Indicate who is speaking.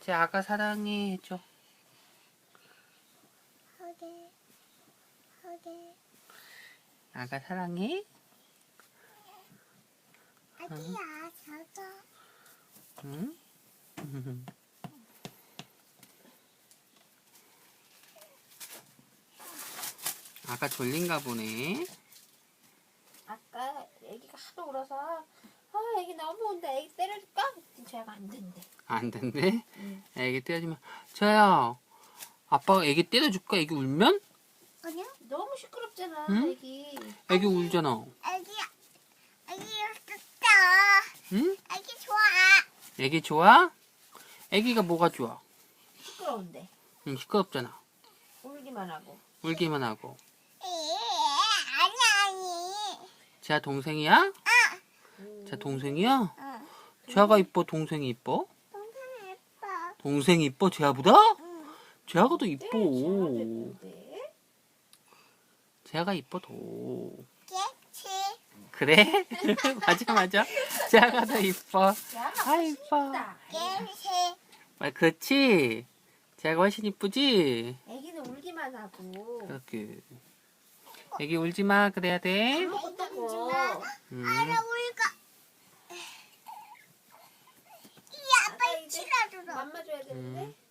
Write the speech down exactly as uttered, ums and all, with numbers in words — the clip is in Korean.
Speaker 1: 제 아가 사랑해 해줘.
Speaker 2: 허게, 허게.
Speaker 1: 아가 사랑해.
Speaker 2: 아기야, 저거.
Speaker 1: 응? 아가 졸린가 보네.
Speaker 3: 아까 애기가 하도 울어서 아 애기 너무 운다 애기 때려줄까? 그랬더니 제가 안 된대.
Speaker 1: 안 된대?
Speaker 3: 응.
Speaker 1: 애기 때려주면 저야 아빠가 애기 때려줄까? 애기 울면?
Speaker 2: 아니야?
Speaker 3: 너무 시끄럽잖아
Speaker 1: 응?
Speaker 3: 애기.
Speaker 1: 애기 울잖아.
Speaker 2: 아기야, 아기 좋다.
Speaker 1: 응?
Speaker 2: 아기 좋아.
Speaker 1: 애기 좋아? 애기가 뭐가 좋아?
Speaker 3: 시끄러운데
Speaker 1: 응, 시끄럽잖아.
Speaker 3: 울기만 하고.
Speaker 1: 울기만 하고.
Speaker 2: 에, 아니, 아니.
Speaker 1: 제아 동생이야?
Speaker 3: 음.
Speaker 1: 제아 동생이야?
Speaker 2: 응.
Speaker 1: 제아가 이뻐? 동생이 이뻐?
Speaker 2: 동생 예뻐.
Speaker 1: 동생이 이뻐? 제아보다?
Speaker 2: 응.
Speaker 1: 제아가 더
Speaker 3: 네,
Speaker 1: 이뻐.
Speaker 3: 제아도 예쁜데.
Speaker 1: 제아가 이뻐 더.
Speaker 2: 깨치.
Speaker 1: 그래? 맞아 맞아. 제아가 더 이뻐.
Speaker 3: 제아가
Speaker 1: 아
Speaker 3: 훨씬
Speaker 1: 이뻐.
Speaker 3: 이쁘다.
Speaker 2: 깨치.
Speaker 1: 아 그렇지. 제아가 훨씬 이쁘지?
Speaker 3: 애기는 울기만 하고.
Speaker 1: 그렇게. 애기 울지 마. 그래야 돼.
Speaker 3: 아무것도 없고.
Speaker 1: 음.
Speaker 2: 알아, 울까. 이 아빠
Speaker 3: 아빠 이제
Speaker 2: 치라주라.
Speaker 3: 맘마 줘야 되는데.
Speaker 1: 음.